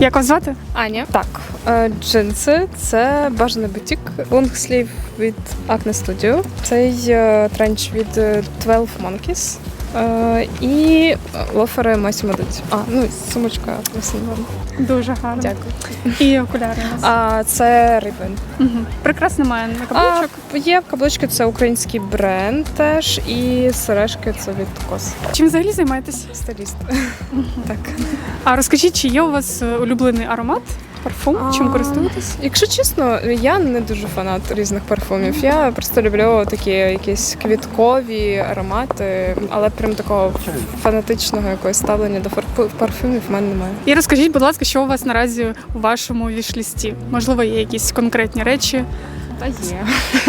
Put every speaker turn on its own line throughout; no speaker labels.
Як вас звати?
Аня. Так, джинси – це бажаний бутік. Лонгслів від Acne Studio. Цей тренч від 12 Monkeys. І лофери Massimo Dutti. Ну і сумочка Massimo.
Дуже гарно.
Дякую.
І окуляри у нас.
Це Ray-Ban.
Угу. Прекрасно має на каблучок.
Є каблучки, це український бренд теж. І сережки – це від Кос.
Чим взагалі займаєтесь?
Стиліст. Так.
А розкажіть, чи є у вас улюблений аромат? Парфум? Чим користуєтесь?
Якщо чесно, я не дуже фанат різних парфумів. Я просто люблю такі якісь квіткові аромати, але прям такого фанатичного якогось ставлення до парфумів в мене немає.
І розкажіть, будь ласка, що у вас наразі у вашому віш-лісті? Можливо, є якісь конкретні речі?
Та є.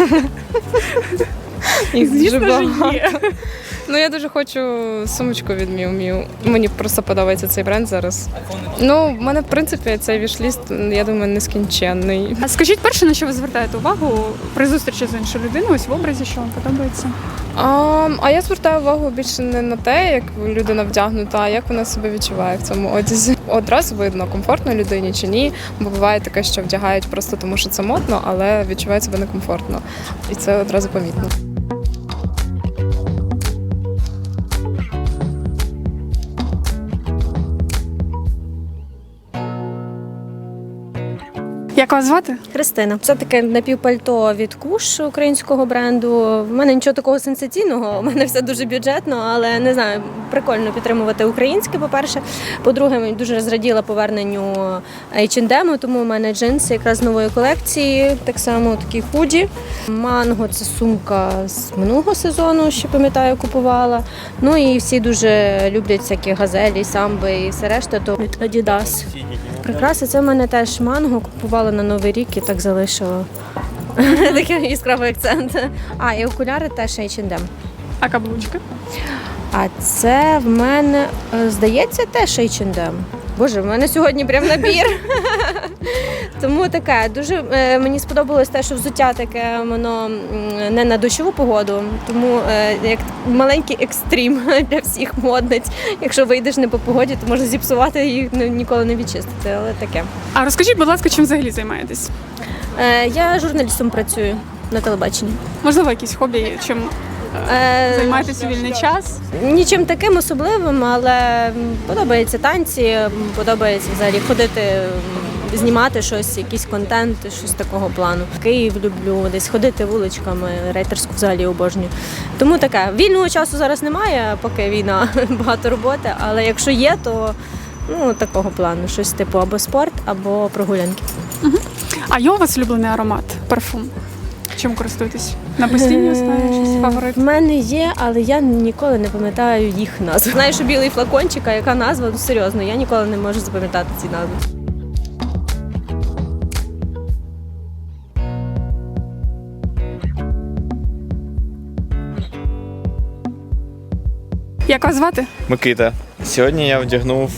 Їх
Звісно
дуже
ж,
багато.
є.
Я дуже хочу сумочку від Miu Miu. Мені просто подобається цей бренд зараз. В мене, в принципі, цей віш-ліст, я думаю, нескінченний.
А скажіть перше, на що ви звертаєте увагу при зустрічі з іншою людиною, ось в образі, що вам подобається?
Я звертаю увагу більше не на те, як людина вдягнута, а як вона себе відчуває в цьому одязі. Одразу видно, комфортно людині чи ні, бо буває таке, що вдягають просто тому, що це модно, але відчувають себе некомфортно. І це одразу помітно.
Як вас звати?
Христина. Це таке напівпальто від Куш українського бренду. В мене нічого такого сенсаційного, у мене все дуже бюджетно, але не знаю, прикольно підтримувати українське, по-перше. По-друге, мені дуже зраділа поверненню H&M, тому у мене джинси якраз з нової колекції, так само такі худі. Манго – це сумка з минулого сезону, ще пам'ятаю, купувала. І всі дуже люблять всякі газелі, самби і все решта, то від Adidas. Прикраси, це в мене теж манго, купувала на Новий рік і так залишила. Такий яскравий акцент. І окуляри теж H&M.
А каблучки?
А це в мене, здається, теж H&M. Боже, в мене сьогодні прям набір. Тому таке, дуже мені сподобалось те, що взуття таке, воно не на дощову погоду, тому як маленький екстрім для всіх модниць. Якщо вийдеш не по погоді, то можна зіпсувати і ніколи не відчистити, але таке.
А розкажіть, будь ласка, чим взагалі займаєтесь?
Я журналістом працюю на телебаченні.
Можливо, якісь хобі, чим займаєтесь у вільний час?
Нічим таким особливим, але подобається танці, подобається взагалі ходити, знімати щось, якийсь контент, щось такого плану. Київ люблю, десь ходити вуличками, рейтерську взагалі обожнюю. Тому таке, вільного часу зараз немає, поки війна, багато роботи, але якщо є, то такого плану, щось типу або спорт, або прогулянки.
Угу. А є у вас улюблений аромат, парфум? Чим користуєтесь? На постійній основі щось фаворит?
В мене є, але я ніколи не пам'ятаю їх назв. Знаю, що білий флакончик, а яка назва? Серйозно, я ніколи не можу запам'ятати ці назви.
Як вас звати?
Микита. Сьогодні я вдягнув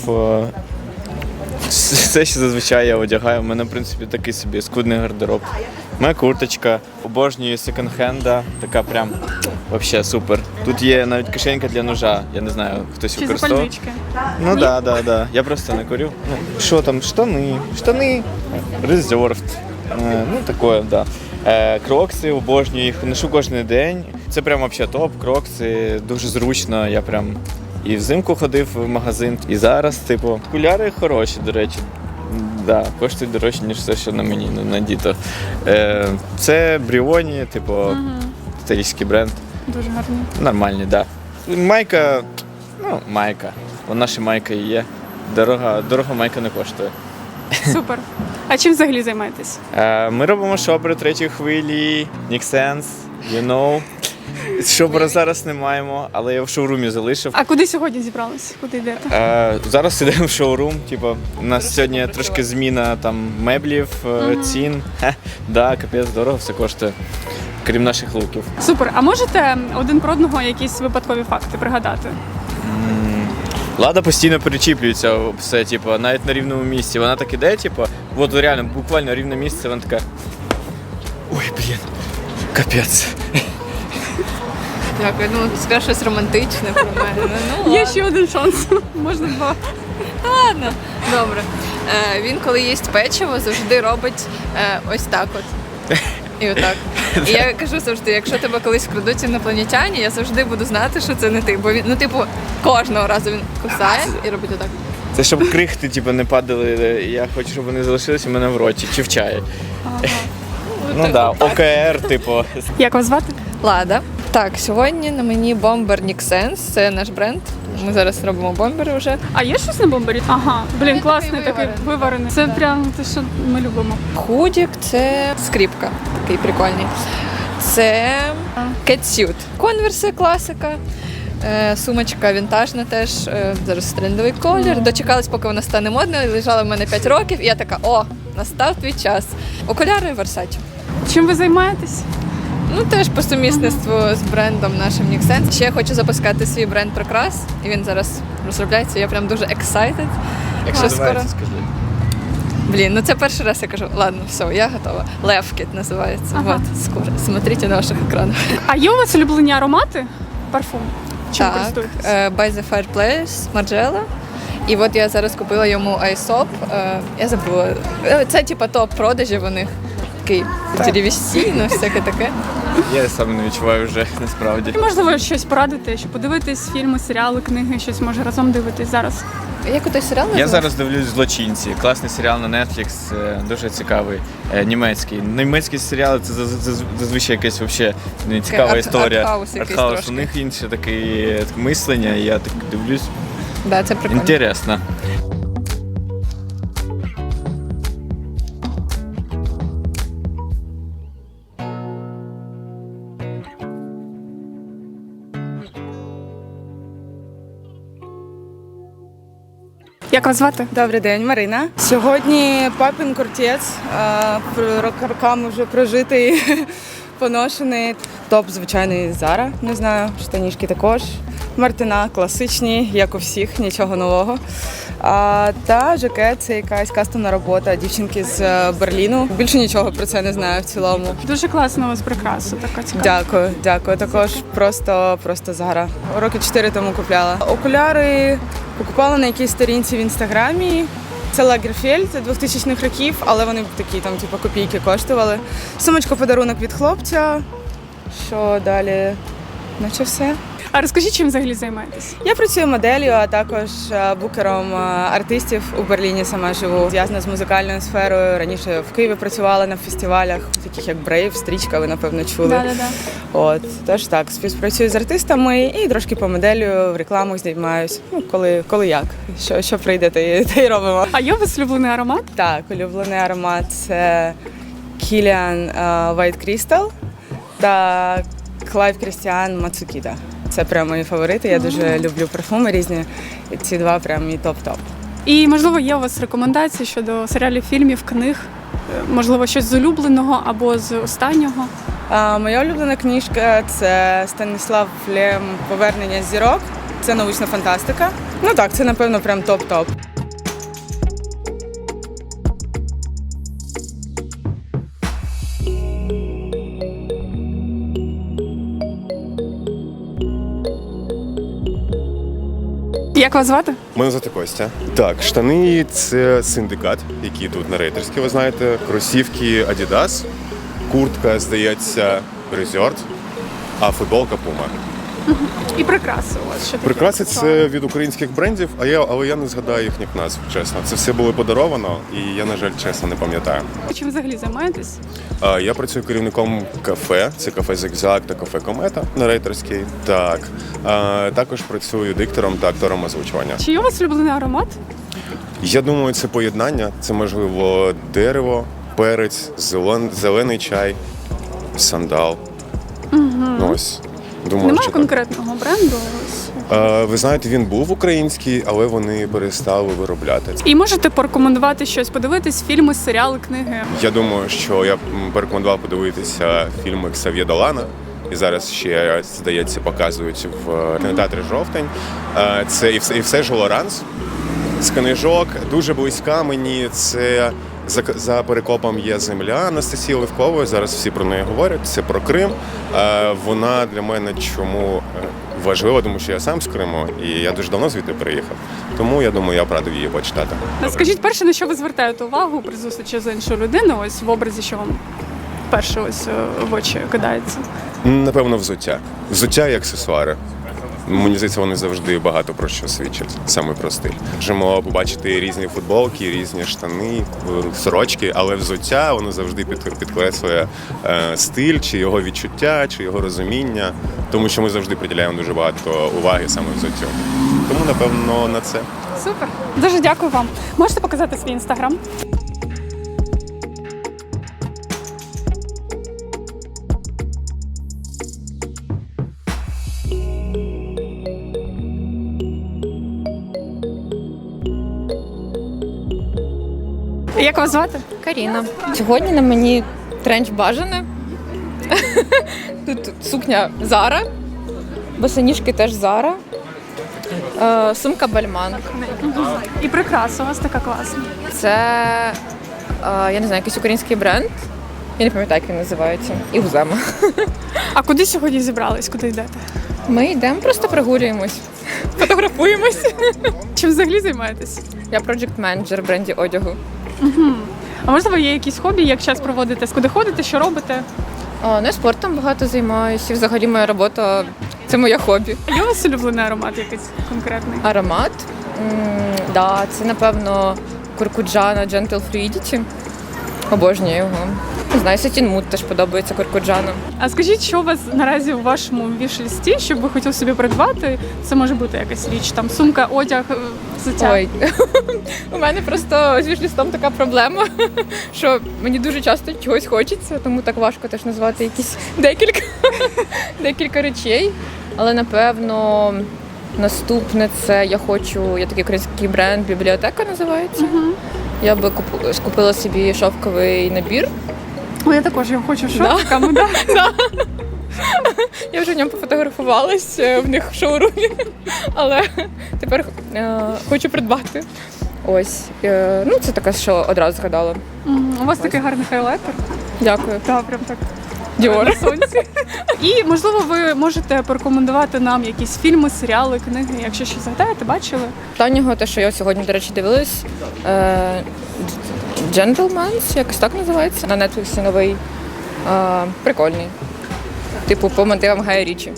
все, що зазвичай я одягаю. У мене, в принципі, такий собі скудний гардероб. Моя курточка, обожнюю секонд-хенда, така прям взагалі супер. Тут є навіть кишенька для ножа, я не знаю, хтось
Чи
використовує.
запальнички?
Да. Я просто не курю. Що там, штани, reserved. Таке, да. Крокси, обожнюю їх, ношу кожен день. Це прям взагалі топ, крокси, дуже зручно, я прям і взимку ходив в магазин, і зараз, окуляри хороші, до речі. Да, коштують дорожче, ніж все, що на мені надіто. Це Бріоні, італійський бренд.
Дуже гарні.
Нормальні, так. Да. Майка, майка. Вона ще майка і є. Дорого майка не коштує.
Супер. А чим взагалі займаєтесь?
Ми робимо шопери третьої хвилі, Nixense, you know. Шопера зараз не маємо, але я в шоурумі залишив.
А куди сьогодні зібрались? Куди йдете?
Зараз йдемо в шоурум. У нас сьогодні трошки зміна меблів, цін. Да, капець, дорого все коштує, крім наших луків.
Супер. А можете один про одного якісь випадкові факти пригадати?
Лада постійно перечіплюється все, навіть на рівному місці. Вона так іде, от реально, буквально рівне місце, вона така. Ой, капець.
Дякую, скажу щось романтичне про мене.
Є ще один шанс, можна два.
Ладно, добре. Він, коли їсть печиво, завжди робить ось так от. І отак. І я кажу завжди, якщо тебе колись вкрадуть інопланетяні, я завжди буду знати, що це не ти. Бо він, кожного разу він кусає і робить отак.
Це щоб крихти, типу, не падали. Я хочу, щоб вони залишилися в мене в роті чи в чаї. Ну так, да, ОКР, типу.
Як вас звати?
Лада. Так, сьогодні на мені бомбер Nixense, це наш бренд. Ми зараз робимо бомбери вже.
А є щось на бомбері? Ага, блін, класний
такий
такий виварений. Це прям те, що ми любимо.
Худік це скріпка, такий прикольний. Це кетсют. Конверси, класика. Сумочка вінтажна теж, зараз трендовий колір. Дочекалась, поки вона стане модною, лежала в мене 5 років, і я така, о, настав твій час. Окуляри Versace.
Чим ви займаєтесь?
Ну, теж по сумісництву з брендом нашим Nixense. Ще я хочу запускати свій бренд прикрас, і він зараз розробляється. Я прям дуже excited. Якщо скоро...
Скажи.
Блін, ну це перший раз я кажу, ладно, все, я готова. Левкіт називається.
Ага.
Вот, скоро. Смотрите на ваших екранах.
А є у вас улюблені аромати? Парфум? Чим
Так,
користуєтесь?
By the Fireplace, Margiela. І от я зараз купила йому iSop. Я забула. Це типа топ-продажів у них. Такий деревістійно, всяке таке.
Я сам не відчуваю вже, насправді.
Можливо, щось порадити, щоб подивитись фільми, серіали, книги, щось може разом дивитись зараз.
Як той серіал
Я
називається?
зараз дивлюсь «Злочинці». Класний серіал на Netflix, дуже цікавий, німецький. Німецькі серіали це зазвичай якась вообще цікава історія.
артхаус якийсь
Артхаус.
трошки.
У них інше таке мислення, і я так дивлюсь.
Да, це прикольно.
Інтересно.
Як вас звати?
Добрий день, Марина. Сьогодні папін кортець, роками вже прожитий, поношений. Топ, звичайний, Zara, не знаю, штанішки також. Мартина класичні, як у всіх, нічого нового. Та жакет це якась кастомна робота дівчинки з Берліну. Більше нічого про це не знаю в цілому.
Дуже класно у вас прикраса, така цікава.
Дякую. Також просто Zara. Роки 4 тому купляла. Окуляри покупала на якійсь сторінці в інстаграмі. Це Лагерфельд 2000-х років, але вони такі там типу копійки коштували. Сумочка подарунок від хлопця. Що далі? Наче все.
А розкажіть, чим взагалі займаєтесь?
Я працюю моделлю, а також букером артистів у Берліні. Сама живу. Зв'язана з музикальною сферою. Раніше в Києві працювала на фестивалях, таких як Brave, Стрічка, ви напевно чули.
Да.
От тож так, співпрацюю з артистами і трошки по моделлю, в рекламах знімаюсь. Ну коли як, що прийде, те й робимо.
А є у вас улюблений аромат?
Так, улюблений аромат це Kilian White Crystal та Clive Christian Matsukita. Це прямо мої фаворити. Я дуже люблю парфуми різні. І ці два прям мій топ-топ.
І, можливо, є у вас рекомендації щодо серіалів, фільмів, книг? Можливо, щось з улюбленого або з останнього?
Моя улюблена книжка це Станіслав Лем «Повернення зірок». Це научна фантастика. Ну так, це напевно прям топ-топ.
Як вас звати?
Мене звати Костя. Так, штани це синдикат, який тут на Рейтерській, ви знаєте. Кросівки Adidas, куртка, здається, Resort, а футболка Puma.
І прикраси у вас. Що таке?
Прикраси це від українських брендів, але я не згадаю їхніх назв, чесно. Це все було подаровано, і я, на жаль, чесно не пам'ятаю.
Чим взагалі займаєтесь?
Я працюю керівником кафе, це кафе Зигзаг та кафе Комета на Рейтерській. Так, також працюю диктором та актором озвучування.
Чи є у вас улюблений аромат?
Я думаю, це поєднання. Це, можливо, дерево, перець, зелений чай, сандал. Ну, ось. Думаю,
Немає
що
конкретного бренду?
ви знаєте, він був український, але вони перестали виробляти.
І можете порекомендувати щось, подивитись фільми, серіали, книги?
Я думаю, що я б порекомендував подивитися фільми Ксав'є Долана. І зараз ще, здається, показують в кінотеатрі «Жовтень». Це і все ж Лоранс з книжок. Дуже близька мені. Це За Перекопом є земля Анастасії Левкової. Зараз всі про неї говорять. Це про Крим. Вона для мене чому важлива, тому що я сам з Криму і я дуже давно звідти приїхав. Тому я думаю, я б радив її почитати.
Скажіть, перше, на що ви звертаєте увагу при зустрічі з іншою людиною, ось в образі, що вам перше ось в очі кидається?
Напевно, взуття. Взуття і аксесуари. Мені здається, вони завжди багато про що свідчать, саме про стиль. Можемо побачити різні футболки, різні штани, сорочки, але взуття воно завжди підкреслює стиль, чи його відчуття, чи його розуміння, тому що ми завжди приділяємо дуже багато уваги саме взуттю. Тому, напевно, на це.
Супер. Дуже дякую вам. Можете показати свій інстаграм? Як вас звати?
Каріна. Сьогодні на мені тренч бажане. Тут сукня Зара, босоніжки теж Зара, сумка Бальман.
І прикраса у вас така класна.
Це, я не знаю, якийсь український бренд. Я не пам'ятаю, як він називається. І Гузема.
А куди сьогодні зібрались? Куди йдете?
Ми йдемо, просто прогулюємось, фотографуємось.
Чим взагалі займаєтесь?
Я проджект-менеджер в бренді одягу.
А можливо, є якісь хобі, як час проводите? Куди ходите, що робите?
Ну, я спортом багато займаюся. І взагалі моя робота – це моє хобі.
А є у вас улюблений аромат якийсь конкретний?
Аромат? Да, це, напевно, Куркуджана Gentle Fluidity. Обожнюю його. Не знаю, Satin Mood теж подобається Куркуджана.
А скажіть, що у вас наразі у вашому віш-листі, що б ви хотіли собі придбати? Це може бути якась річ, там сумка, одяг, взуття.
Ой, у мене просто з віш-листом така проблема, що мені дуже часто чогось хочеться, тому так важко теж назвати якісь декілька речей. Але, напевно, наступне це є такий український бренд «Бібліотека» називається. Я би скупила собі шовковий набір.
О, я також його хочу шовками, да?
Я вже в ньому пофотографувалась в них в шоурумі, але тепер хочу придбати. Ось. Ну, це таке, що одразу згадала.
У вас такий гарний хайлайтер.
Дякую.
Так, прям так.
Діор.
На сонці. І, можливо, ви можете порекомендувати нам якісь фільми, серіали, книги, якщо щось згадаєте, бачили?
Останнього, те, що я сьогодні, до речі, дивилась, Gentleman's, якось так називається. На Netflix новий. Прикольний. Типу, по мотивам Гая Річі.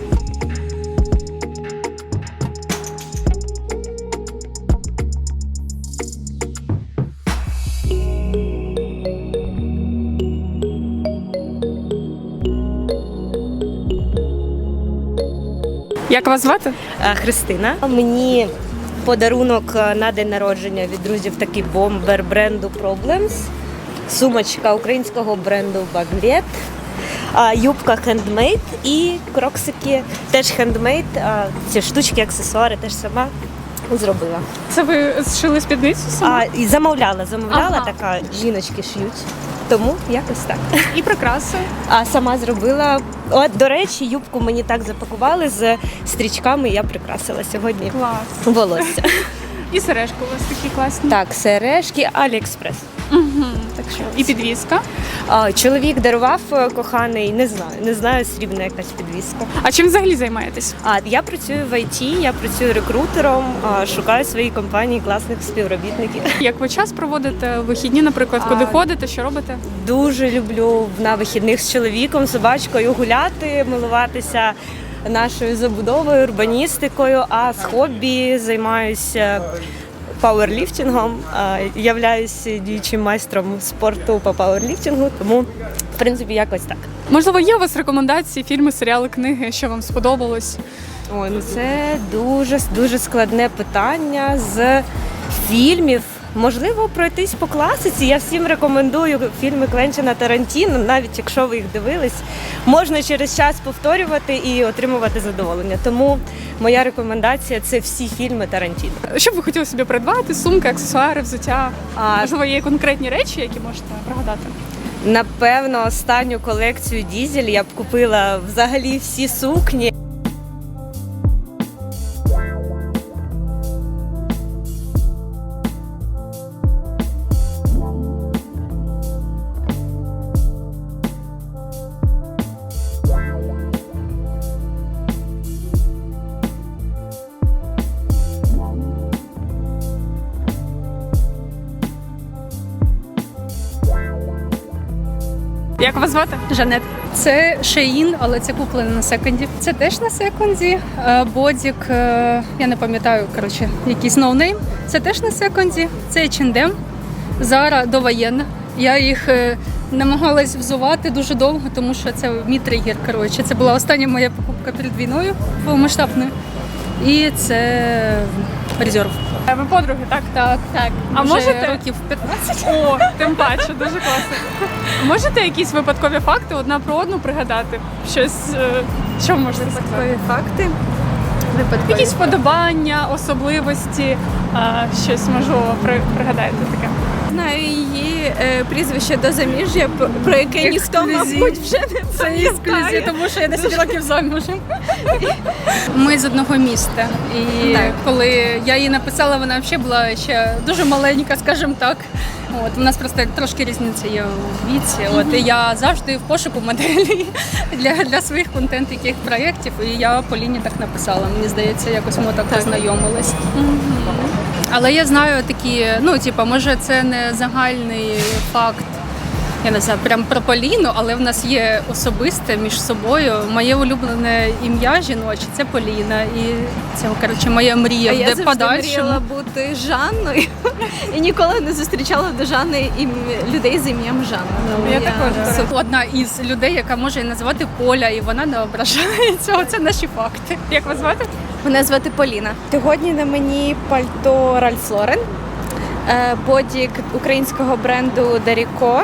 Як вас звати?
Христина. Мені подарунок на день народження від друзів такий бомбер бренду Problems, сумочка українського бренду Baglet, юбка хендмейд і кроксики теж хендмейд. Ці штучки, аксесуари теж сама зробила.
Це ви зшили спідницю самі?
І замовляла,
Ага.
така жіночки шиють. Тому якось так.
І прикраси.
А сама зробила. От, до речі, юбку мені так запакували з стрічками, я прикрасила сьогодні
Клас.
волосся.
І сережки у вас такі класні.
Так, сережки, Аліекспрес.
Так що. І підвіска.
Чоловік дарував коханий, не знаю, срібна якась підвіска.
А чим взагалі займаєтесь?
Я працюю в ІТ, я працюю рекрутером, шукаю в своїй компанії класних співробітників.
Як ви час проводите вихідні, наприклад, куди ходите, що робите?
Дуже люблю на вихідних з чоловіком, собачкою гуляти, милуватися нашою забудовою, урбаністикою, а з хобі займаюся пауерліфтингом, являюся діючим майстром спорту по пауерліфтингу, тому, в принципі, якось так.
Можливо, є у вас рекомендації, фільми, серіали, книги, що вам сподобалось?
Ой, ну це дуже складне питання з фільмів. Можливо, пройтись по класиці. Я всім рекомендую фільми Квентіна Тарантіно, навіть якщо ви їх дивились, можна через час повторювати і отримувати задоволення. Тому моя рекомендація – це всі фільми Тарантіно.
Що б ви хотіли собі придбати? Сумки, аксесуари, взуття? Можливо, є конкретні речі, які можете пригадати?
Напевно, останню колекцію Дізель я б купила взагалі всі сукні.
Як вас звати?
Жанет. Це Shein, але це куплено на секонді. Це теж на секонді. Бодік, я не пам'ятаю, коротше, якийсь ноунейм. Це теж на секонді. Це H&M. Zara довоєнна. Я їх намагалась взувати дуже довго, тому що це мій тригер. Коротше. Це була остання моя покупка перед війною повномасштабною. І це резерв.
Ви подруги, так?
Так.
А
Вже
можете?
років 15.
О, тим паче, дуже класно. Можете якісь випадкові факти одна про одну пригадати? Щось, що можете сказати?
Факти.
Якісь вподобання, особливості, щось можливо пригадаєте таке.
Знаю її прізвище до заміжжя, про яке ніхто, мабуть, вже не
Це ексклюзив, тому що я 10 років замужем. Ми з одного міста. І коли я її написала, вона взагалі була ще дуже маленька, скажімо так. От, у нас просто трошки різниця є у віці. От, і я завжди в пошуку моделі для своїх контент-яких проєктів. І я Поліні так написала. Мені здається, якось ми так познайомились. Але я знаю такі, може це не загальний факт, я не знаю, прям про Поліну, але в нас є особисте між собою. Моє улюблене ім'я жіноче – це Поліна. І це, коротше, моя мрія.
А я завжди
подальшому.
мріяла бути Жанною і ніколи не зустрічала до Жанни людей з ім'ям Жанна.
Я також.
Одна із людей, яка може її назвати Поля, і вона не ображається. Оце наші факти.
Як вас звати?
Мене звати Поліна. Сьогодні на мені пальто Ralph Lauren, бодік українського бренду Даріко.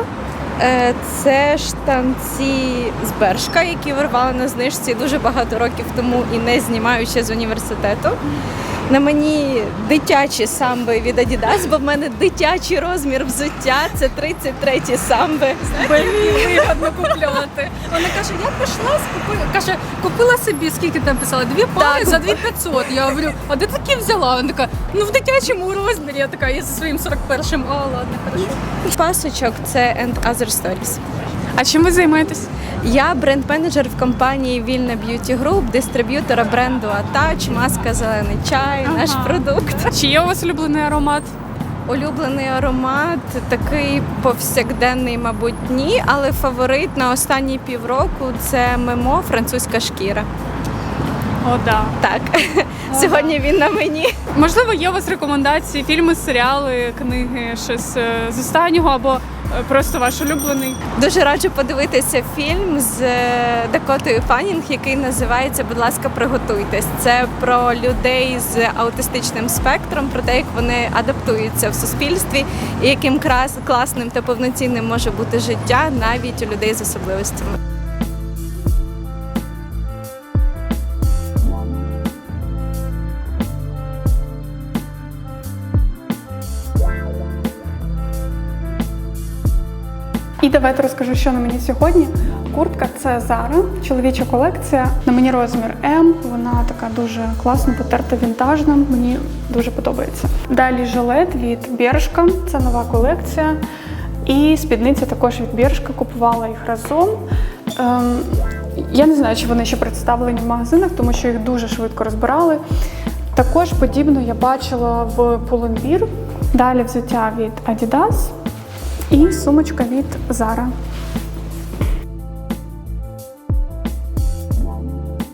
Це штанці з Бершка, які вирвала на знижці дуже багато років тому і не знімаю ще з університету. На мені дитячі самби від Adidas, бо в мене дитячий розмір взуття, це 33-ті самби.
Вигідно купляти. Вона каже, я пішла, каже, купила собі, скільки там писала, 2 пари за 2500. Я говорю, а де такі взяла? Вона така, в дитячому розмірі. Я така, я зі своїм 41-м, ладно, хорошо.
Пасочок – це And Other Stories.
А чим ви займаєтесь?
Я бренд-менеджер в компанії Вільна Б'юті Груп, дистриб'ютора бренду Атач, маска Зелений чай, наш продукт.
Чи є у вас улюблений аромат?
Улюблений аромат, такий повсякденний, мабуть, ні, але фаворит на останні півроку – це Мемо «Французька шкіра».
О, да.
Так, сьогодні він на мені.
Можливо, є у вас рекомендації, фільми, серіали, книги, щось з останнього або просто ваш улюблений?
Дуже раджу подивитися фільм з Дакотою Фаннінг, який називається «Будь ласка, приготуйтесь». Це про людей з аутистичним спектром, про те, як вони адаптуються в суспільстві і яким класним та повноцінним може бути життя навіть у людей з особливостями.
І давайте розкажу, що на мені сьогодні. Куртка – це Zara, чоловіча колекція. На мені розмір М, вона така дуже класно потерта, вінтажна, мені дуже подобається. Далі жилет від Бершка, це нова колекція. І спідниця також від Бершка, купувала їх разом. Я не знаю, чи вони ще представлені в магазинах, тому що їх дуже швидко розбирали. Також подібно я бачила в Pull&Bear. Далі взуття від Adidas. І сумочка від Zara.